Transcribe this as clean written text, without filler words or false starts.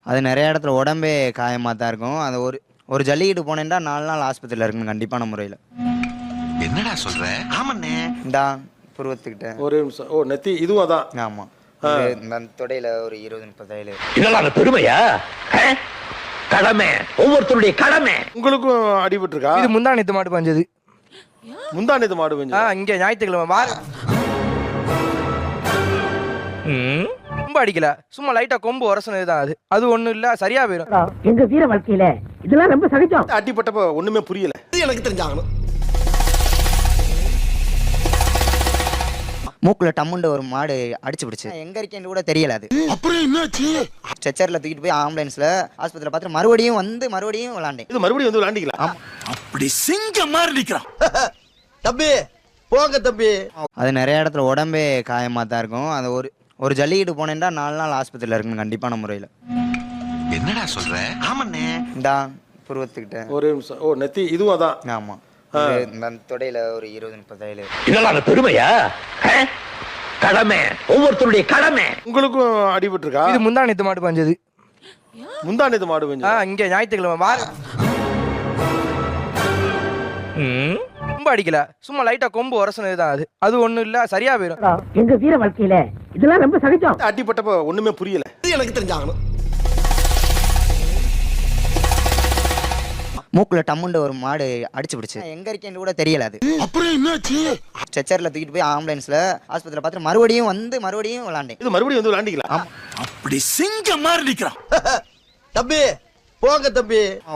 அது நிறைய இடத்துல உடம்பே காயமாக தான் இருக்கும். அது ஒரு ஒரு ஜல்லிக்கட்டு போனேன்டா 4 நாள் ஆஸ்பத்திரியில் இருக்கணும் கண்டிப்பான முறையில். என்னடா சொல்ற? ஆமாண்ணே. இந்தா புருவத்துக்கிட்ட. ஒரு நிமிஷம். ஓ நெத்தி இதுவும் அதான். ஆமாம். இந்த தொடையில் ஒரு 20-30 தையல். இதெல்லாம் பெருமையா? கடமை, ஒவ்வொருத்தருடைய கடமை. உங்களுக்கும் அடிபட்டு இருக்கா? இது முந்தா நேத்து மாடு பஞ்சது. முந்தானத்து மாடு பெஞ்சு. இங்க ஞாயிற்றுக்கிழமை ரொம்ப அடிக்கல, சும்மா லைட்டா கொம்பு உரசனது தான். அது ஒண்ணும் இல்ல, சரியா போயிடும். எங்க வீர வாழ்க்கையில இதெல்லாம் ரொம்ப சகஜம். அடிப்பட்டப்ப ஒண்ணுமே புரியல. எனக்கு தெரிஞ்சாகணும். மூக்கில் டம்முண்ட ஒரு மாடு அடிச்சு பிடிச்சு எங்க இருக்கேன்னு கூட தெரியல. அது அப்புறம் என்னாச்சு? ஸ்ட்ரெச்சரில் தூக்கிட்டு போய் ஆம்புலன்ஸில் ஆஸ்பத்திரியில் பார்த்துட்டு மறுபடியும் விளாண்டேன். இது மறுபடியும் வந்து விளாண்டிக்கலாம். அப்படி சிங்க மாதிரி நிக்கிறான். தம்பி போங்க தம்பி. அது நிறைய இடத்துல உடம்பே காயமாக தான் இருக்கும். அது ஒரு ஜல்லிக்கட்டு போனேன்டா 4 நாள் ஆஸ்பத்திரியில் இருக்கணும் கண்டிப்பான முறையில். என்னடா சொல்ற? ஆமாண்ணே. இந்தா புருவத்துக்கிட்ட. ஒரு நிமிஷம். ஓ நெத்தி இதுவும் அதான். ஆமாம். இந்த தொடையில் ஒரு 20-30 தையல். இதெல்லாம் பெருமையா? கடமை, ஒவ்வொருத்தருடைய கடமை. உங்களுக்கும் அடிபட்டு இருக்கா? இது முந்தா நேத்து மாடு பஞ்சது. முந்தானத்து மாடு பெஞ்சு. இங்க ஞாயிற்றுக்கிழமை ரொம்ப அடிக்கல, சும்மா லைட்டா கொம்பு உரசனது தான். அது ஒண்ணும் இல்ல, சரியா போயிடும். எங்க வீர வாழ்க்கையில இதெல்லாம் ரொம்ப சகஜம். அடிப்பட்டப்ப ஒண்ணுமே புரியல. எனக்கு தெரிஞ்சாகணும். மூக்கில் டம்முண்ட ஒரு மாடு அடிச்சு பிடிச்சு எங்க இருக்கேன்னு கூட தெரியல. அது அப்புறம் என்னாச்சு? ஸ்ட்ரெச்சரில் தூக்கிட்டு போய் ஆம்புலன்ஸில் ஆஸ்பத்திரியில் பார்த்துட்டு மறுபடியும் விளாண்டேன். இது மறுபடியும் வந்து விளாண்டிக்கலாம். அப்படி சிங்க மாதிரி நிக்கிறான். தம்பி போங்க தம்பி.